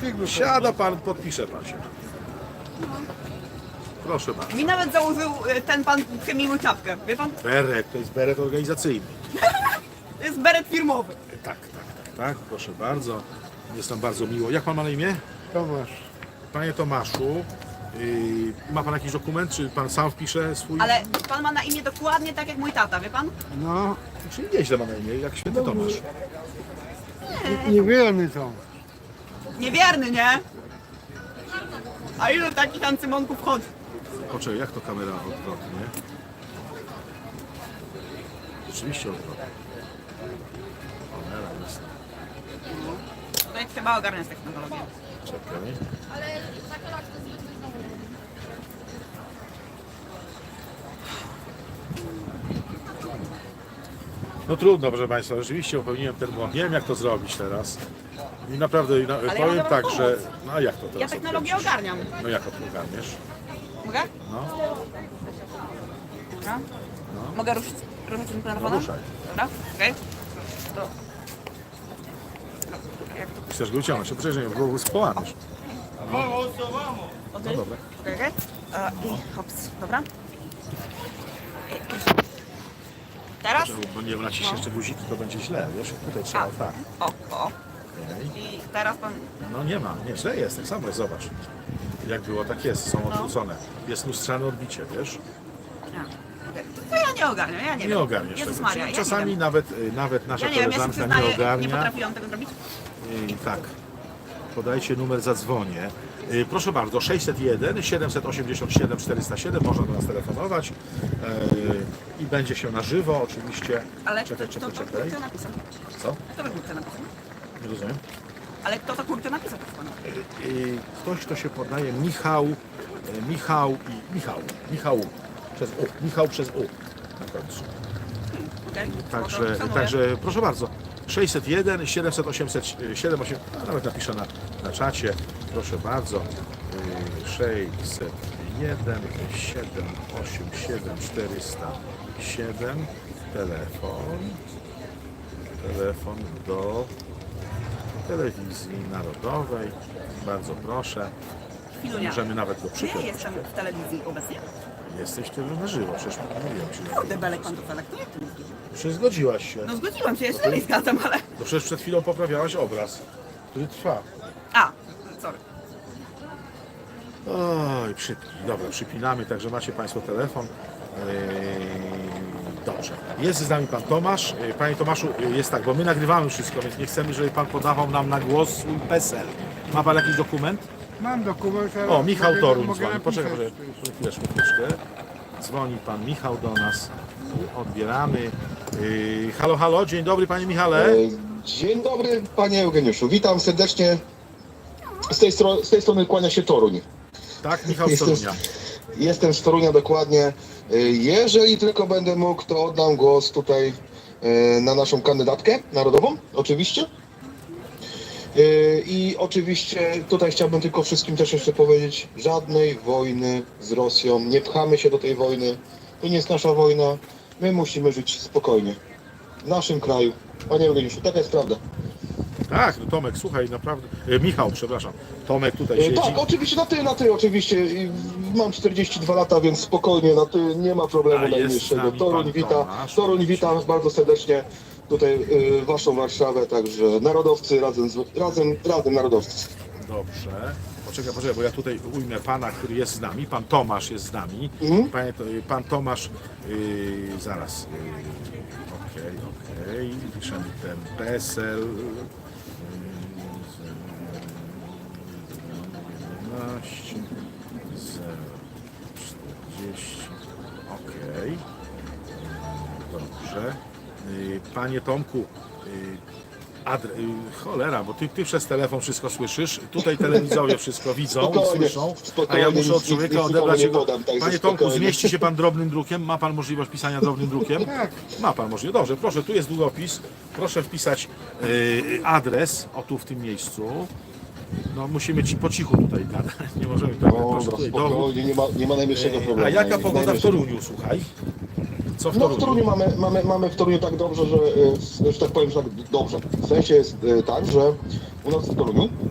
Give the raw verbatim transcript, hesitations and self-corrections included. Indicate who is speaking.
Speaker 1: Siada pan, podpisze pan się. Proszę bardzo.
Speaker 2: Mi nawet założył y, ten pan chemiły czapkę, wie pan?
Speaker 1: Beret, to jest beret organizacyjny.
Speaker 2: To jest beret firmowy.
Speaker 1: Tak, tak, tak, tak, proszę bardzo. Jest nam bardzo miło. Jak pan ma na imię?
Speaker 3: Tomasz.
Speaker 1: Panie Tomaszu, yy, ma pan jakiś dokument, czy pan sam wpisze swój?
Speaker 2: Ale pan ma na imię dokładnie tak jak mój tata, wie pan?
Speaker 3: No,
Speaker 1: Czyli nieźle ma na imię, jak święty Tomasz.
Speaker 3: niewielny to.
Speaker 2: Niewierny, nie? A ilu takich ancymonków chodzi?
Speaker 1: Poczekaj, jak to kamera odwrotnie? Rzeczywiście odwrotnie. Kamera jest.
Speaker 2: Tutaj trzeba ogarniać technologię.
Speaker 1: Czekaj. No trudno, proszę Państwa, rzeczywiście popełniłem ten błąd. Nie wiem, jak to zrobić teraz. I naprawdę na,
Speaker 2: ja
Speaker 1: powiem
Speaker 2: mogę
Speaker 1: tak,
Speaker 2: wam
Speaker 1: że...
Speaker 2: pomóc.
Speaker 1: No a jak to teraz
Speaker 2: Ja technologię
Speaker 1: odkręcisz?
Speaker 2: ogarniam.
Speaker 1: No jak to ogarniesz?
Speaker 2: Mogę?
Speaker 1: No,
Speaker 2: Dobra. Mogę ruszyć, ruszyć tym telefonem?
Speaker 1: No ruszaj.
Speaker 2: Dobra, okej. To... Jak to?
Speaker 1: chcesz go uciągnąć, to przecież nie, bo spłaniesz.
Speaker 2: O,
Speaker 1: No
Speaker 2: ty?
Speaker 1: dobra.
Speaker 2: Okej, okej. E, I hops, dobra. Teraz?
Speaker 1: Bo nie naciśniesz jeszcze guziki, to będzie źle, wiesz? Tutaj trzeba,
Speaker 2: A.
Speaker 1: tak.
Speaker 2: O, o.
Speaker 1: Okej.
Speaker 2: I teraz pan...
Speaker 1: No nie ma, nie, źle jest, tak samo jest, zobacz. Jak było, tak jest, są odwrócone. Jest lustrzane odbicie, wiesz?
Speaker 2: A, okej. To ja nie ogarniam, ja nie,
Speaker 1: Nie
Speaker 2: wiem.
Speaker 1: ogarniesz
Speaker 2: Jezus
Speaker 1: tego.
Speaker 2: Maria, ja
Speaker 1: Czasami
Speaker 2: nie wiem.
Speaker 1: nawet, y, nawet nasza
Speaker 2: Ja nie wiem, ja się
Speaker 1: koleżanka
Speaker 2: przyznaję,
Speaker 1: nie ogarnia.
Speaker 2: nie potrafiłam tego zrobić.
Speaker 1: I tak, podajcie numer, zadzwonię. Y, Proszę bardzo, sześćset jeden siedemset osiemdziesiąt siedem czterysta siedem, można do nas telefonować y, i będzie się na żywo oczywiście.
Speaker 2: Ale
Speaker 1: Czekaj,
Speaker 2: kto,
Speaker 1: czekaj,
Speaker 2: kto, kto,
Speaker 1: czekaj.
Speaker 2: kto napisał?
Speaker 1: Co?
Speaker 2: Kto by kurczę napisał?
Speaker 1: Nie rozumiem.
Speaker 2: Ale kto to kurczę napisał? proszę pana?
Speaker 1: Y, Ktoś, kto się podaje Michał, y, Michał i Michał, Michał przez U, Michał przez U na końcu.
Speaker 2: Okej,
Speaker 1: Także,
Speaker 2: spoko, szanuję.
Speaker 1: także proszę bardzo, sześćset jeden siedemset osiemset siedem osiem, a nawet napiszę na, na czacie, proszę bardzo, yy, sześćset jeden siedem osiem siedem czterysta siedem, telefon, telefon do telewizji narodowej, bardzo proszę,
Speaker 2: Chwilunia.
Speaker 1: możemy nawet go
Speaker 2: Czy ja
Speaker 1: przypiąć.
Speaker 2: jestem w telewizji obecnie?
Speaker 1: Jesteś tu na żywo, przecież mówiłem ci.
Speaker 2: Debelek pan to selektu? Jak to mówisz?
Speaker 1: Przecież zgodziłaś się.
Speaker 2: No zgodziłam się, ja się nie zgadzam, ale...
Speaker 1: To przecież przed chwilą poprawiałaś obraz, który trwa.
Speaker 2: A, sorry.
Speaker 1: Oj, przypnij. Dobra, przypinamy, także macie Państwo telefon. Yy, Dobrze. Jest z nami Pan Tomasz. Yy, Panie Tomaszu, yy, jest tak, bo my nagrywamy wszystko, więc nie chcemy, żeby Pan podawał nam na głos swój PESEL. Ma Pan jakiś dokument?
Speaker 3: Mam dokument, ale
Speaker 1: O, Michał
Speaker 3: mogę-
Speaker 1: Toruń
Speaker 3: mogę
Speaker 1: dzwoni. Poczekaj,
Speaker 3: napisać.
Speaker 1: poczekaj, chwileczkę, chwileczkę. Dzwoni Pan Michał do nas. Yy, Odbieramy. Yy, Halo, halo, dzień dobry Panie Michale.
Speaker 4: E, Dzień dobry, panie Eugeniuszu. Witam serdecznie. Z tej, stro- z tej strony kłania się Toruń.
Speaker 1: Tak, Michał z
Speaker 4: Jestem,
Speaker 1: Torunia.
Speaker 4: jestem z Torunia dokładnie. E, Jeżeli tylko będę mógł, to oddam głos tutaj e, na naszą kandydatkę narodową, oczywiście. E, I oczywiście tutaj chciałbym tylko wszystkim też jeszcze powiedzieć, żadnej wojny z Rosją. Nie pchamy się do tej wojny. To nie jest nasza wojna. My musimy żyć spokojnie. W naszym kraju. Panie Eugeniuszu, taka jest prawda.
Speaker 1: Tak, no Tomek, słuchaj, naprawdę. E, Michał, przepraszam. Tomek tutaj
Speaker 4: E,
Speaker 1: siedzi.
Speaker 4: Tak, oczywiście na ty, na ty, oczywiście. I Mam czterdzieści dwa lata, więc spokojnie, na ty nie ma problemu
Speaker 1: A jest z
Speaker 4: najmniejszego.
Speaker 1: nami
Speaker 4: Toruń
Speaker 1: pan
Speaker 4: wita,
Speaker 1: Tomasz.
Speaker 4: Toruń wita bardzo serdecznie tutaj y, waszą Warszawę, także narodowcy razem, z, razem, razem narodowcy.
Speaker 1: Dobrze. Poczekaj, poczekaj, bo ja tutaj ujmę pana, który jest z nami. Pan Tomasz jest z nami.
Speaker 4: Mhm.
Speaker 1: Panie, to, pan Tomasz, yy, zaraz. Yy, Okej, okej. Piszemy ten PESEL. jedenaście, zero czterdzieści. Okej. Dobrze. Yy, Panie Tomku, yy, Adre... y, Cholera, bo ty, ty przez telefon wszystko słyszysz, tutaj telewidzowie wszystko widzą i
Speaker 4: Spokojnie,
Speaker 1: słyszą, a
Speaker 4: spokojnie,
Speaker 1: ja muszę od
Speaker 4: nic-
Speaker 1: człowieka
Speaker 4: nic
Speaker 1: odebrać
Speaker 4: nikomu nie
Speaker 1: jego...
Speaker 4: podam, także
Speaker 1: Panie Tomku,
Speaker 4: spokojnie.
Speaker 1: zmieści się pan drobnym drukiem? Ma pan możliwość pisania drobnym drukiem?
Speaker 3: Tak.
Speaker 1: Ma pan możliwość. Dobrze, proszę, tu jest długopis. Proszę wpisać y, adres, o tu w tym miejscu. No musimy ci po cichu tutaj gadać, nie możemy tak. Proszę,
Speaker 4: Dobra,
Speaker 1: tutaj dowód.
Speaker 4: spokojnie, nie ma, nie ma najmniejszego problemu.
Speaker 1: A jaka
Speaker 4: Naj-
Speaker 1: pogoda w
Speaker 4: najmniejszego.
Speaker 1: Toruniu, słuchaj? Co w
Speaker 4: No w
Speaker 1: Toruniu?
Speaker 4: Toruniu mamy, mamy, mamy w Toruniu tak dobrze, że, e, że tak powiem, że tak dobrze. W sensie jest e, tak, że u nas w Toruniu